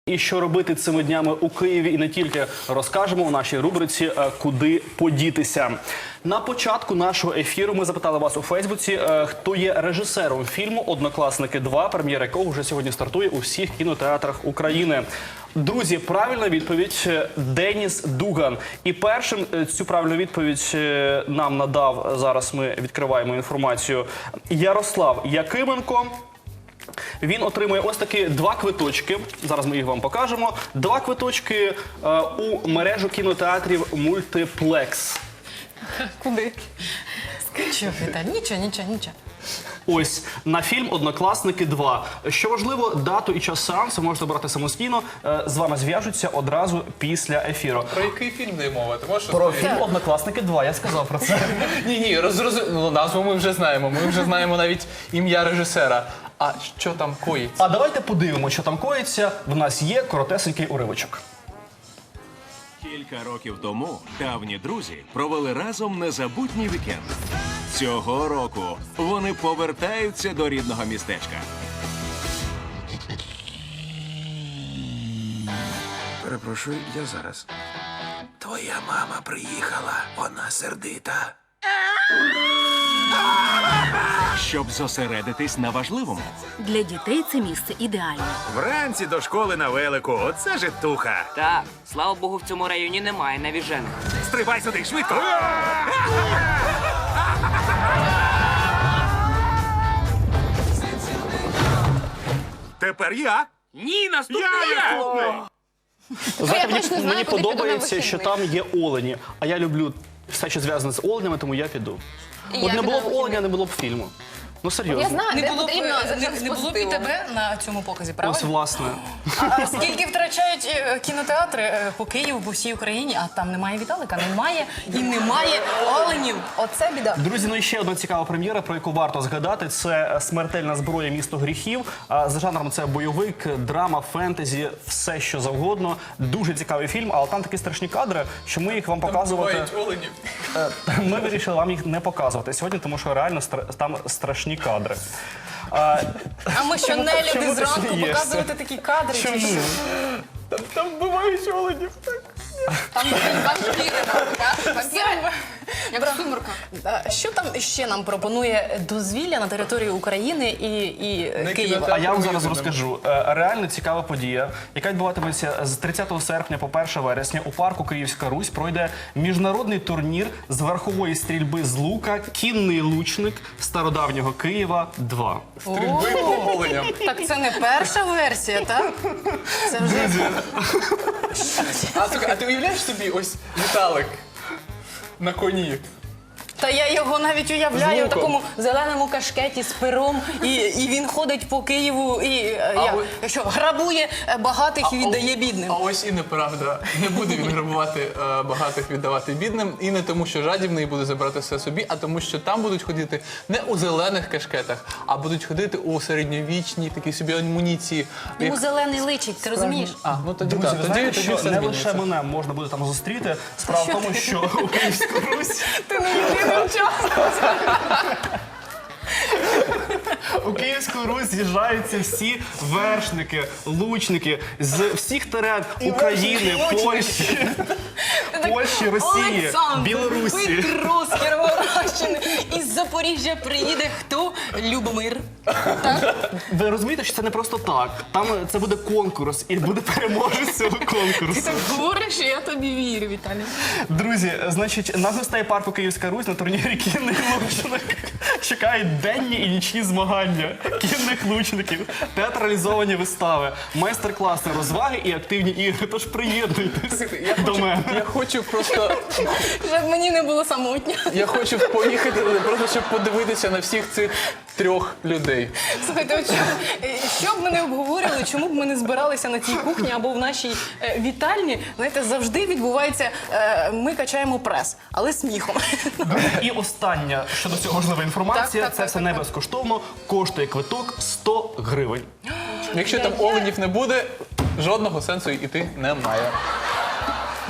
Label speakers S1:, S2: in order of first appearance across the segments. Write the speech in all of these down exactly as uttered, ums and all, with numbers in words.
S1: І що робити цими днями у Києві і не тільки, розкажемо у нашій рубриці «Куди подітися». На початку нашого ефіру ми запитали вас у Фейсбуці, хто є режисером фільму «Однокласники два», прем'єра якого вже сьогодні стартує у всіх кінотеатрах України. Друзі, правильна відповідь – Деніс Дуган. І першим цю правильну відповідь нам надав, зараз ми відкриваємо інформацію, Ярослав Якименко. Він отримує ось такі два квиточки, зараз ми їх вам покажемо, два квиточки е, у мережу кінотеатрів «Мультиплекс».
S2: Куди? Що, Віталій? Нічого, нічого, нічого.
S1: Ось, на фільм «Однокласники два». Що важливо, дату і час сеансу можете обрати самостійно, е, з вами зв'яжуться одразу після ефіру.
S3: Про який фільм не мова? Ти можеш
S1: Про
S3: розповісти?
S1: фільм «Однокласники два», я сказав про це.
S3: Ні, ні, розрозу... ну, назву ми вже знаємо, ми вже знаємо навіть ім'я режисера. А що там коїться?
S1: А давайте подивимося, що там коїться. В нас є коротесенький уривочок.
S4: Кілька років тому давні друзі провели разом незабутній вікенд. Цього року вони повертаються до рідного містечка.
S5: Перепрошую, я зараз. Твоя мама приїхала, вона сердита.
S4: Щоб зосередитись на важливому.
S6: Для дітей це місце ідеальне.
S5: Вранці до школи на велику, оце житуха.
S7: Так, слава Богу, в цьому районі немає навіжених.
S5: Стрибай сюди, швидко. Тепер я.
S7: Ні, наступний
S5: Я
S7: я!
S5: наступний.
S1: Знаєте,
S2: я точно
S1: мені,
S2: знаю,
S1: мені
S2: куди піду на
S1: подобається, що
S2: вихідний.
S1: там є олені. А я люблю все, що зв'язане з оленями, тому я піду.
S2: І
S1: От
S2: я
S1: не
S2: піду
S1: було
S2: на
S1: б
S2: вихідний.
S1: оленя, не було б фільму. Ну, серйозно.
S2: Я знаю,
S8: Не
S2: де
S8: було б,
S2: потрібно
S8: не,
S2: завжди
S8: не було б і
S2: позитивом.
S8: тебе на цьому показі,
S1: Ось,
S8: правильно?
S1: власне.
S8: А скільки втрачають е, кінотеатри е, по Києву, по всій Україні, а там немає Віталика, немає і немає оленів. Оце біда.
S1: Друзі, ну і ще одна цікава прем'єра, про яку варто згадати. Це «Смертельна зброя. Місто гріхів». А За жанром це бойовик, драма, фентезі, все що завгодно. Дуже цікавий фільм, але там такі страшні кадри, що ми їх вам показувати...
S3: Бувають оленів.
S1: Е, Ми вирішили вам їх не показувати сьогодні, тому що реально стра- там страшні кадри. А,
S8: А ми що,
S1: Чому-
S8: не
S1: чому
S8: люди
S1: ти
S8: зранку
S1: смієшся?
S8: показувати такі кадри? чи
S1: Чому?
S8: що?
S3: Там, там бувають оленів.
S2: Там вампіри, так? Вампіри, як в сумерках.
S8: А Що там ще нам пропонує дозвілля на території України і, і е,
S3: Не
S8: Києва?
S3: кінотеатр.
S1: А я вам зараз
S3: Їздимо.
S1: розкажу. Е, Реально цікава подія, яка відбуватиметься з тридцятого серпня по перше вересня. У парку Київська Русь пройде міжнародний турнір з верхової стрільби з лука «Кінний лучник стародавнього Києва два».
S3: Стрільби по оленям.
S8: Так це не перша версія, так? Це вже
S3: А, слухай, а ти уявляєш собі ось Віталик на коні?
S8: Та я його навіть уявляю
S3: З
S8: в
S3: луком.
S8: такому зеленому кашкеті з пером, і, і він ходить по Києву і е,
S3: А
S8: як,
S3: ви-
S8: що, грабує е, багатих і віддає бідним.
S3: А ось і неправда. Не буде він грабувати е, багатих, віддавати бідним. І не тому, що жадібний буде забрати все собі, а тому, що там будуть ходити не у зелених кашкетах, а будуть ходити у середньовічній такій собі амуніції.
S8: Йому
S3: Як-
S8: зелений личить, ти розумієш?
S3: А, ну тоді
S1: Друзі,
S3: так,
S1: ви
S3: тоді,
S1: знаєте,
S3: тоді
S1: що
S3: все
S1: не
S3: змінюється.
S1: лише мене можна буде там зустріти. Справа в тому, що у Київську Русь...
S8: Ти не єдиним часом.
S1: У Київську Русь з'їжджаються всі вершники, лучники з всіх терен України, Польщі, Польщі, Росії,
S8: Олександр,
S1: Білорусі.
S8: Петро з Кіровоградщини. Із Запоріжжя приїде хто? Любомир.
S1: Ви розумієте, що це не просто так. Там це буде конкурс і буде переможець цього конкурсу.
S2: Ти говориш, і я тобі вірю, Віталій.
S1: Друзі, значить, на гостей парку Київська Русь на турнірі «Кінний лучник» чекають денні і нічні змагання кінних лучників, театралізовані вистави, майстер-класи, розваги і активні ігри. Тож приєднуйтесь
S3: Я
S1: до
S3: хочу,
S1: мене.
S3: я хочу просто,
S8: Щоб мені не було самотньо.
S3: я хочу поїхати, просто щоб подивитися на всіх цих трьох людей.
S8: Слухайте, от що, е, що б ми не обговорювали, чому б ми не збиралися на цій кухні або в нашій е, вітальні, знаєте, завжди відбувається, е, ми качаємо прес, але сміхом.
S1: І остання щодо цього важлива інформація.
S8: Так, так,
S1: це
S8: так,
S1: все
S8: так,
S1: не
S8: так.
S1: безкоштовно. Коштує квиток сто гривень.
S3: Якщо там оленів не буде, жодного сенсу йти немає.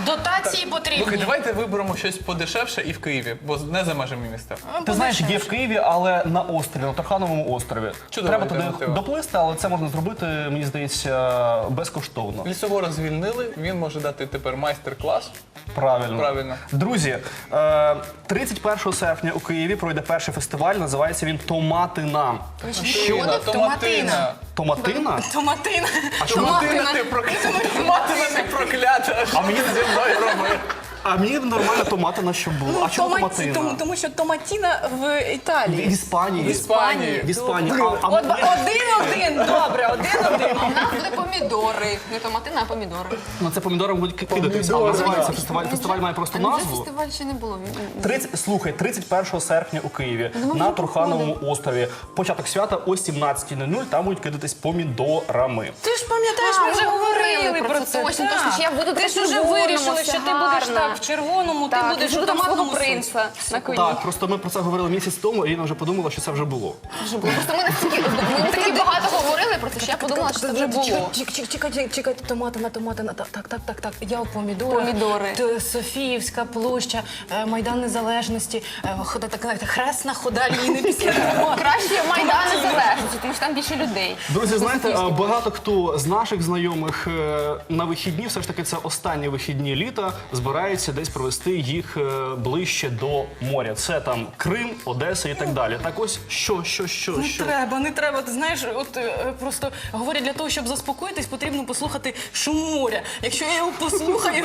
S8: Дотації
S3: Слухай,
S8: потрібні.
S3: давайте виберемо щось подешевше і в Києві, бо не за межами міста.
S1: Ти знаєш, є в Києві, але на острові, на Тархановому острові.
S3: Чудова
S1: Треба туди
S3: альтернатива.
S1: доплисти, але це можна зробити, мені здається, безкоштовно.
S3: Лісовора звільнили, він може дати тепер майстер-клас.
S1: Правильно.
S3: Правильно.
S1: Друзі, е, тридцять першого серпня у Києві пройде перший фестиваль, називається він «Томатина».
S3: Томатина, томатина.
S1: Томатина?
S8: Томатина.
S3: Томатина ти проклята. Томатина ти проклята.
S1: А мені
S3: зі мною робив.
S1: А мені нормально томатина, щоб було.
S8: Ну,
S1: А чому
S8: томаті-
S1: томатина?
S8: тому, тому що томатіна в Італії.
S1: В Іспанії.
S3: В Іспанії.
S1: В Іспанії. А, а
S8: От,
S1: мені-
S8: один-один, добре, один-один.
S2: У нас буде помідори. Не томатина, а помідори.
S1: Ну, це помідором будуть кидатись. А
S3: Помідори.
S1: називається фестиваль. Фестиваль має просто
S2: А невже
S1: назву.
S2: фестиваль ще не було?
S1: тридцять, слухай, тридцять першого серпня у Києві на Турхановому острові. Початок свята о сімнадцятій нуль нуль, там будуть кидатись помідорами.
S8: Ти ж пам'ятаєш,
S2: А,
S8: ми вже
S2: ми
S8: говорили
S2: говорили
S8: про
S2: про
S8: це.
S2: це. Точно,
S8: так.
S2: точно, що я буду
S8: Ти ж
S2: в
S8: вже
S2: червоному,
S8: вирішила,
S2: все
S8: що ти будеш
S2: гарно.
S8: так в червоному, ти
S2: Так,
S8: будеш
S2: буду
S8: у
S2: там свого
S8: томатному соусі.
S2: принца на коні.
S1: Так, просто ми про це говорили місяць тому, і Ірина вже подумала, що це вже було.
S2: Вже було. Просто ми настільки, ми настільки багато говорили про це, що я подумала, що це вже було.
S8: Чекайте, чекайте, чекайте, томатина, томатина, так, так, так, так, так. Я у помідори.
S2: Помідори.
S8: Т- Софіївська площа, е, Майдан Незалежності, е, хода, так, знаєте, хресна хода Ліни після томату.
S2: Краще Майдан Незалежності, тому що там більше людей.
S1: Друзі, знаєте, е, багато хто з наших знайомих е, на вихідні, все ж таки це останні вихідні літа, збирається десь провести їх е, ближче до моря. Це там Крим, Одеса і так далі. Так ось, що, що, що,
S8: Не
S1: що?
S8: треба, не треба. Ти знаєш, от е, просто говорять, для того, щоб заспокоїтись, потрібно послухати шум моря. Якщо я його послухаю,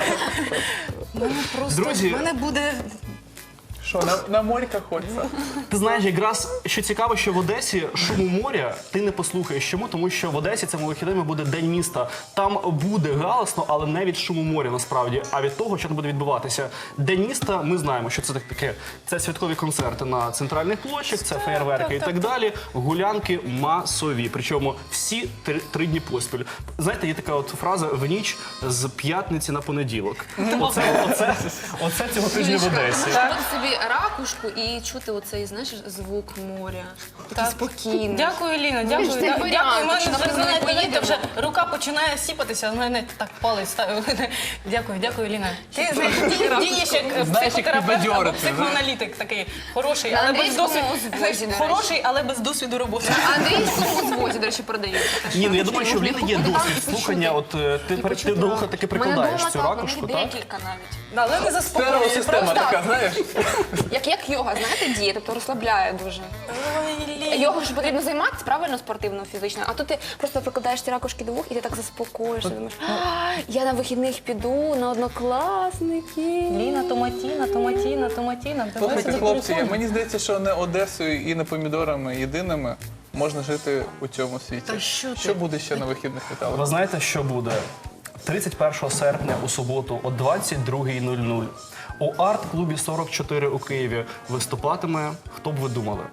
S8: мене просто
S1: Друзі.
S8: в мене буде.
S3: Що, на, на морька хочеться?
S1: Ти знаєш, якраз що цікаво, що в Одесі шуму моря ти не послухаєш. Чому? Тому що в Одесі цими вихідними буде День міста. Там буде галасно, але не від шуму моря насправді, а від того, що там буде відбуватися. День міста, ми знаємо, що це таке. Це святкові концерти на центральних площах, це феєрверки і так далі. Гулянки масові. Причому всі три, три дні поспіль. Знаєте, є така от фраза в ніч з п'ятниці на понеділок. Оце, оце, оце цього тижня в Одесі.
S2: Зробити собі ракушку і чути оцей, знаєш, звук моря. Такий спокійний.
S8: Дякую, Ліна, дякую.
S2: ж це
S8: Да-
S2: варіант,
S8: Дякую. У мене
S2: що,
S8: вже,
S2: наприклад,
S8: знаєте,
S2: поїдемо.
S8: вже рука починає сіпатися, в мене так палець ставив. Дякую, дякую, Ліна. Ти знаєш, ді- дієш як
S3: Знаєш, як
S8: психотерапевт або
S3: підбадьорити,
S8: психоаналітик такий хороший,
S2: На
S8: але без
S2: англійському
S8: досвіду.
S2: узвозі, до речі.
S8: Хороший, але без досвіду роботи.
S2: А англійському звозі, до речі, продають.
S1: Ні, ну я думаю, що в Ліни є
S2: Можна
S1: досвід
S2: почути.
S1: слухання. От е, ти, перед- ти до вуха таки прикладаєш цю ракушку, так?
S2: Декілька навіть.
S8: Але не заспокоює.
S3: Стереосистема
S8: Просто.
S3: така, знаєш?
S2: Як, як йога, знаєте, діє, тобто розслабляє дуже.
S8: Ой, Ліна.
S2: Його ж потрібно займатися правильно спортивно, фізично, а тут ти просто прикладаєш ці ракушки до вух і ти так заспокоїшся. Думаєш, «А, я на вихідних піду на однокласників.
S8: Ліна, томатіна, томатіна, томатіна. Давай
S3: Слухайте,
S8: сюди
S3: хлопці,
S8: переходимо.
S3: мені здається, що не Одесою і не помідорами єдиними можна жити у цьому світі.
S8: Та що ти?
S3: Що буде ще на вихідних Віталій?
S1: Ви знаєте, що буде? тридцять першого серпня у суботу о двадцять другій нуль нуль у арт-клубі сорок чотири у Києві виступатиме, хто б ви думали?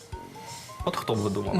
S1: От хто б ви думали?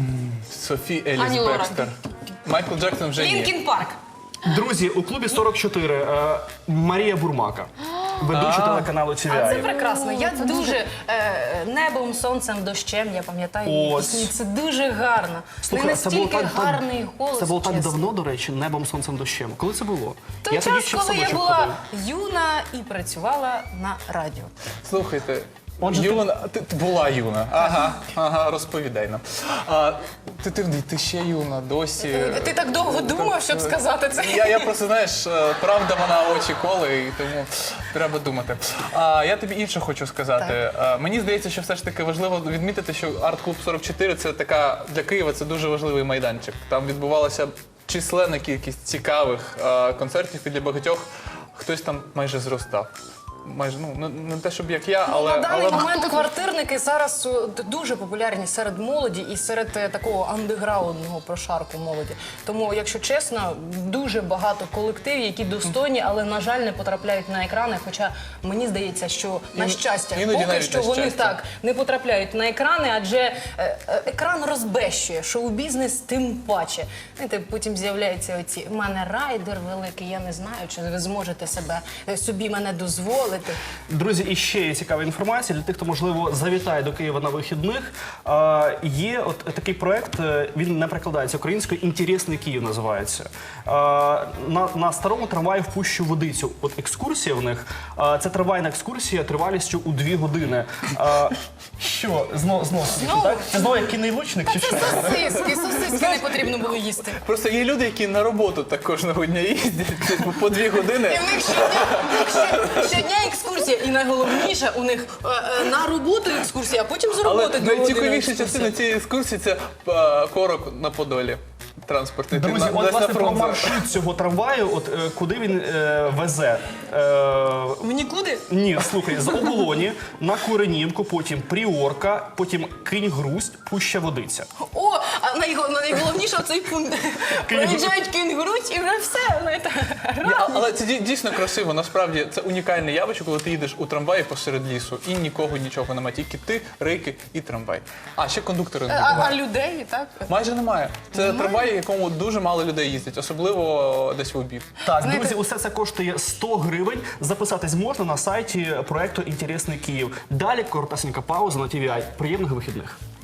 S3: Софі Еліс
S2: Ані Лорак.
S3: Бекстер. Майкл Джексон вже ні.
S8: Лінкін Парк.
S1: Друзі, у клубі сорок чотири е, Марія Бурмака, ведуча телеканалу Ті Ві
S8: А це
S1: Ай.
S8: прекрасно. Я дуже е, небом, сонцем, дощем, я пам'ятаю її
S1: Ось.
S8: пісні. Це дуже гарно.
S1: Слухай,
S8: не
S1: це було
S8: настільки
S1: так,
S8: гарний голос.
S1: це було так
S8: чесно.
S1: давно, до речі, небом, сонцем, дощем. Коли це було?
S8: Той
S1: я тоді
S8: час,
S1: ще в
S8: коли я
S1: садочок
S8: була
S1: ходив.
S8: юна і працювала на радіо.
S3: Слухайте,
S1: Отже, ти-
S3: юна, ти... ти була юна. Ага, ага, розповідай нам. А, ти, ти, ти ще юна, досі.
S8: Ти так довго думав, щоб сказати це?
S3: Я, я просто, знаєш, е, правда вона очі коле, і тому треба думати. А я тобі інше хочу сказати. А, мені здається, що все ж таки важливо відмітити, що арт-клуб сорок чотири це така для Києва це дуже важливий майданчик. Там відбувалася численна кількість цікавих е, концертів, і для багатьох хтось там майже зростав. Майже ну не, не те, щоб як я, але
S8: На даний
S3: але
S8: момент квартирники зараз е, дуже популярні серед молоді і серед е, такого андеграундного прошарку молоді. Тому, якщо чесно, дуже багато колективів, які достойні, але, на жаль, не потрапляють на екрани. Хоча мені здається, що на
S3: Ін-
S8: щастя,
S3: іноді
S8: поки
S3: навіть
S8: що
S3: на
S8: вони
S3: щастя.
S8: так не потрапляють на екрани, адже е, е, екран розбещує, шоу-бізнес тим паче. Знаєте, потім з'являються оці «в мене райдер великий, я не знаю, чи ви зможете себе е, собі мене дозволити. зайти.
S1: Друзі, і ще є цікава інформація для тих, хто, можливо, завітає до Києва на вихідних. Е, є от такий проект, е, він не перекладається українською, «Інтересний Київ» називається. Е, на, на старому трамваї в Пущу Водицю. От екскурсія в них, е, це трамвайна екскурсія тривалістю у дві години. Е, що? Знову, знову,
S8: Знову?
S1: так? Це знову як кінний лучник чи що?
S8: Сосиски, сосиски не потрібно було їсти.
S3: Просто є люди, які на роботу так кожного дня їздять типу, по дві години.
S8: І в них щодня, в них ще- щодня екскурсія. І найголовніше, у них е, е, на роботу екскурсія, а потім з роботи
S3: Але
S8: дві години
S3: найцікавіша
S8: екскурсія.
S3: частина цієї екскурсії це е, корок на Подолі. Транспортний. Ти
S1: Друзі,
S3: на-
S1: от
S3: десь на
S1: власне про
S3: фронт зараз.
S1: маршрут цього трамваю, от е, куди він е, везе. Е,
S8: В нікуди?
S1: Ні, слухай, з Оболоні на Куренівку, потім Пріорка, потім Кинь-Грусть, Пуща Водиця.
S8: О, а найго- найголовніше оцей пункт. Проїжджають кінгуруть і вже все. знаєте.
S3: Ні, а- Але це дій- дійсно красиво. Насправді це унікальне явище, коли ти їдеш у трамваї посеред лісу і нікого нічого немає. Тільки ти, рейки і трамвай. А ще кондуктори не
S8: А, а
S3: бувають.
S8: людей, так?
S3: Майже немає. Це трамвай, в якому дуже мало людей їздять, особливо десь в обід.
S1: Так,
S8: Знаєте-
S1: друзі, усе це коштує сто гривень. Записатись можна на сайті проекту «Інтересний Київ». Далі коротесенька пауза на ті ві ай. Приємних вихідних.